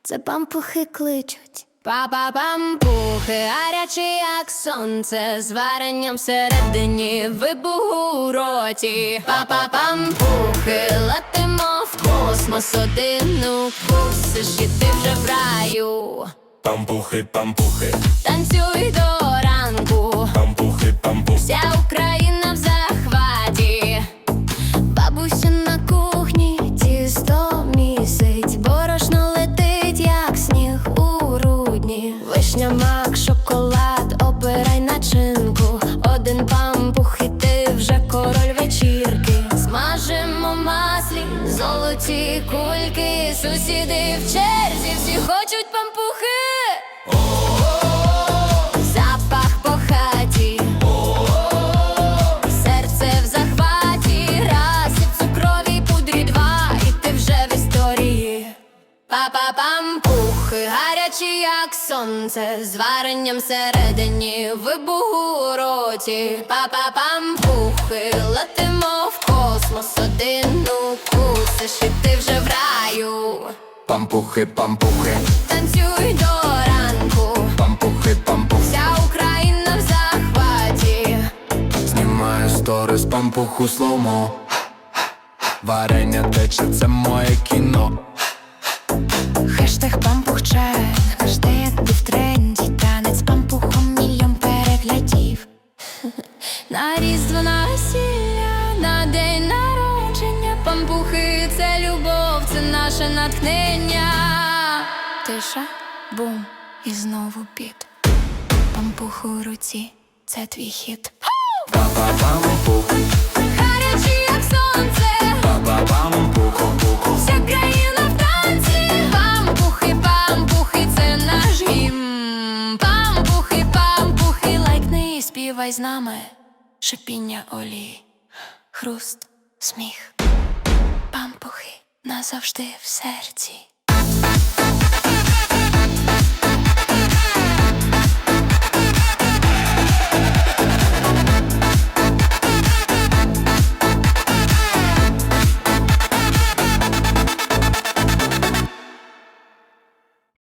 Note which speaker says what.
Speaker 1: це пампухи кличуть.
Speaker 2: Па-па-пампухи, гарячі, як сонце, з варенням всередині, вибух у роті. Па-па-пампухи, летимо в космос, один укусиш і ти вже в раю.
Speaker 3: Пампухи, пампухи,
Speaker 2: Танцюй до ранку,
Speaker 3: пампухи, пампухи,
Speaker 2: вся Україна в захваті.
Speaker 1: Бабуся на кухні тісто місить, борошно летить, як сніг у грудні. Вишня, мак, шоколад, обирай начинку. Один пампух і ти вже король вечірки.
Speaker 2: Смажимо в маслі золоті кульки, сусіди в черзі, всі хочуть пампухи. Запах по хаті, серце в захваті, раз і в цукровій пудрі два, і ти вже в історії. Па-па-пампухи, гарячі, як сонце, з варенням всередині, вибух у роті. Па-па-пампухи, летимо в космос, один укусиш і ти вже в раю.
Speaker 3: пампухи, пампухи,
Speaker 2: Танцюй до ранку,
Speaker 3: пампухи, пампухи.
Speaker 2: вся Україна в захваті.
Speaker 3: Знімаю сторис, пампуху слоумо. Варення тече, це моє кіно.
Speaker 1: Хештег пампух-чек, завжди якби в тренді. Танець пампухом мільйон переглядів.
Speaker 2: На різдво, на весілля, на день народження. Пампухи – це любов, це наше натхнення.
Speaker 1: Тиша, бум, і знову біт. Пампух у руці, це твій хіт.
Speaker 3: Па-па-пампух,
Speaker 2: Гарячі, як сонце,
Speaker 3: па-па-пампух, пампуху.
Speaker 2: вся країна в танці. Пампухи, пампухи, це наш гімн. Пампухи, пампухи,
Speaker 1: Лайкни і співай з нами. Шипіння олії, хруст, сміх. Пампухи назавжди в серці.